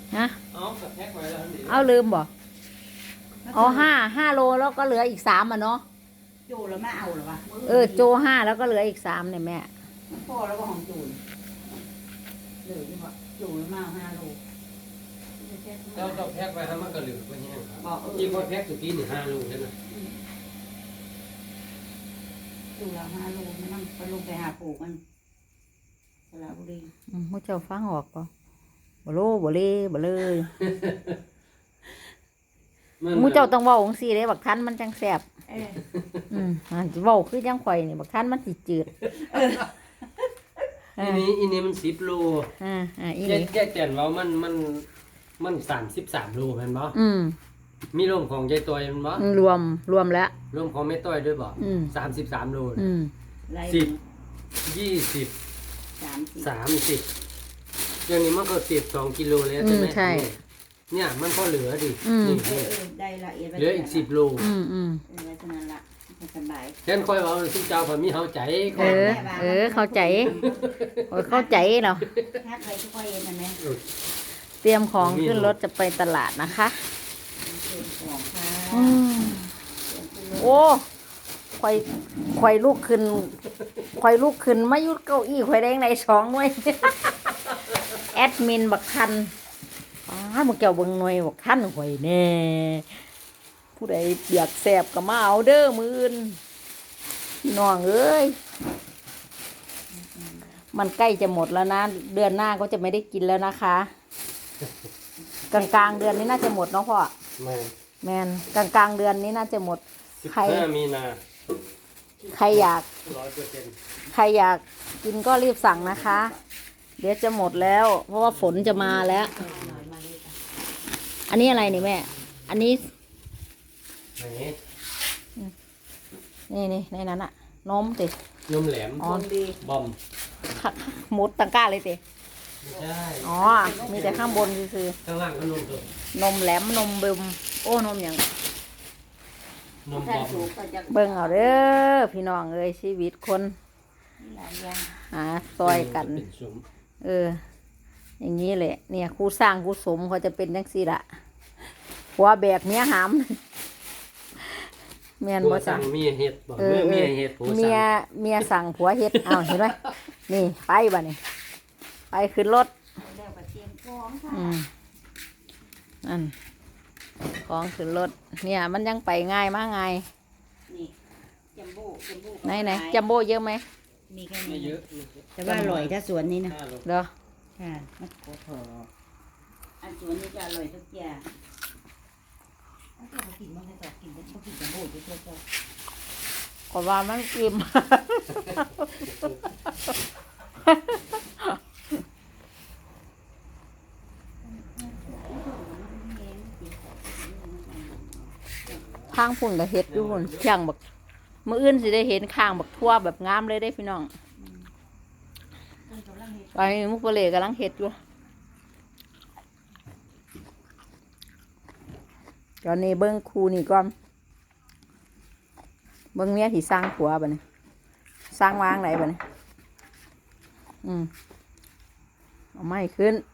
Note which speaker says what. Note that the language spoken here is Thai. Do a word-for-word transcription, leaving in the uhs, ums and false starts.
Speaker 1: ฮะ
Speaker 2: เอากับแพ็คไว้แล้วดิ
Speaker 1: เอาลืมบ่อ๋อห้าห้าโลแล้วก็เหลืออีกสามอ่ะเนาะ
Speaker 3: โจแล้วมาเอาหรอวะ
Speaker 1: เออโจห้าแล้วก็เหลืออีกสามเนี่ยแม่
Speaker 3: พ่อแล้วก็ของจูนเหลือที่ว่าโจแล้วมาห้าโล
Speaker 2: เจ้ากับแพ็คไว้ให้มันก็เหลือไปแห้งครับ
Speaker 3: บอกเอ
Speaker 2: ที่
Speaker 3: อ
Speaker 2: พอแพ็คสุกี้หนึ่งห้าลูกใช่ไหม
Speaker 3: โจแล้วห้าโลไม่ต้องไปลงไปหาปลูกมันสระบุรี
Speaker 1: อืมมุเจ้าฟังออกป่ะบ่โลบ่เล่บ่เลยมุเจ้าต้องเว้าของซี่เด้บักทันมันจังแซ่บ
Speaker 3: เออ
Speaker 1: อืมอ่าเว้าคือจังข่อยนี่บักทันมันสิจืด
Speaker 2: อันนี้อันนี้มันสิบโล
Speaker 1: อ่าอ่าอี
Speaker 2: แย
Speaker 1: นี่
Speaker 2: กแยกแจนว่ามันมันมันสามสิบสามโลแม่นบ่
Speaker 1: อืม
Speaker 2: มีรวมของยายตัวแม่นบ่
Speaker 1: รวมรวมแล้ว
Speaker 2: รวมของแม่ต้อยด้วยบ่
Speaker 1: อืม
Speaker 2: สามสิบสามโล
Speaker 1: อืม
Speaker 3: ไล่
Speaker 2: สิบยี่สิบ
Speaker 3: สามสิบ
Speaker 2: สามสิบอย่างนี้มันก็สิบสองกิโลแล้วใช่ไหม
Speaker 1: อืมใช่
Speaker 2: เนี่ยมันก็เหลือดิ
Speaker 1: อืม
Speaker 2: นี่
Speaker 3: เออเออได้ละเอียด
Speaker 2: เหลืออีกสิบโล
Speaker 1: อืมอืม
Speaker 3: เออไว้เท่านั้นละสบาย
Speaker 2: แค่นค่อยว่าทุกเจ้าพอมีเฮาใจ
Speaker 1: เออ เออ เข้าใจโอ้ยเข้าใจเนาะ
Speaker 3: ทักไปทุกคนเองนะแม่
Speaker 1: เตรียมของขึ้นรถจะไปตลาดนะคะ
Speaker 3: เชิญของค่ะ
Speaker 1: อืมโอ้ควายควายลูกขึ้นควายลูกขึ้นมายุดเก้าอี้ควายแดงในสองหน่วย แอดมินบักทันอ้ามึงเกี่ยวเบิ่งหน่วยบักทันข่อยแน่ผู้ใดอยากแสบก็มาเอาเด้อมือนพี่น้องเอ้ยมันใกล้จะหมดแล้วนะเดือนหน้าก็จะไม่ได้กินแล้วนะคะ กลางกลางๆเดือนนี้น่าจะหมดเนาะพ่อ
Speaker 2: แม่
Speaker 1: แมนกลางกลางๆเดือนนี้น่าจะหมด
Speaker 2: สิบ
Speaker 1: ใคร
Speaker 2: ห้ามีนา
Speaker 1: ใครอยาก
Speaker 2: ร้อยเปอร์เซ็นต์
Speaker 1: ใครอยากกินก็รีบสั่งนะคะ เดี๋ยวจะหมดแล้ว เพราะว่าฝนจะมาแล้ว อันนี้อะไรนี่แม่ อันนี้
Speaker 2: ไหน
Speaker 1: นี่นี่ในนั้นอะนมติ
Speaker 2: นมแหลม
Speaker 1: อ๋อ
Speaker 3: ดี
Speaker 2: บอม
Speaker 1: ค่ะหมดตังก้าเลยติ
Speaker 2: ไม่ใช่
Speaker 1: อ๋อ มีแต่ข้างบนคือ
Speaker 2: ข้างล่างก็นมสด
Speaker 1: นมแหลมนมเบิมโอ้นมอย่าง
Speaker 2: นมบ
Speaker 3: ท่าน
Speaker 2: อม
Speaker 3: สูงก็จะ
Speaker 1: เบิ่งเอาเด้อพี่น้องเอ้ยชีวิตคน
Speaker 3: หลายอย่าง
Speaker 1: หาซอยกัน
Speaker 2: เป็นซุ้ม
Speaker 1: เออ อย่างนี้แหละ เนี่ยครูสร้างครูสมเขาจะเป็นจังซี่ละหัวแบกเมียหามเมียน
Speaker 2: ผัว
Speaker 1: บ่
Speaker 2: สั่
Speaker 1: สั่
Speaker 2: ง
Speaker 1: ง
Speaker 2: เมียเฮ็ดบอก
Speaker 1: เอ
Speaker 2: เมื่
Speaker 1: อ
Speaker 2: อ
Speaker 1: เอ
Speaker 2: เมีย
Speaker 1: อ
Speaker 2: เฮ็ดผัว
Speaker 1: เมีย
Speaker 2: สั่ง
Speaker 1: เมียสั่งผัวเฮ็ดอ้าวเห็นไหมนี่ไปบ่เนี่ยไปขึ้นรถ
Speaker 3: แล้วก็เตรียมของค่ะ
Speaker 1: อืมนั่นของขึ้นรถเนี่ย มันยังไปง่ายมากง่าย
Speaker 3: นี่จัมโบ้จัมโบ้
Speaker 1: ไหนไหนจัมโบ้เยอะไหม
Speaker 3: มีแค่
Speaker 2: ไม่
Speaker 3: นี้
Speaker 2: เยอะ
Speaker 3: แต่ว่าอร่อยถ้าสวนนี้นะ
Speaker 2: ห้าโล
Speaker 1: เด้อ
Speaker 3: ค่ะมันโคตรอันสวนนี้จะอร่อยทุกอย่างถ้าเรากินมันจะกินมันกินจัมโบ้ด้วยเจ้า
Speaker 1: ก็ว่ามันอิ่ม ข้างพุ่นกับเห็ดอยู่พุ่นข้างบักมื้ออื่นสิได้เห็นข้างบักทั่วแบบงามเลยได้พี่น้องตอนนี้มุกเปลกำลังเห็ดอยู่ตอนนี้เบิ้งครูนี่ก่อนเบิ้งเมียที่สร้างผัวบ่เนี่ยสร้างวางไหนบ่เนี่ยอืมเอาไม้ขึ้น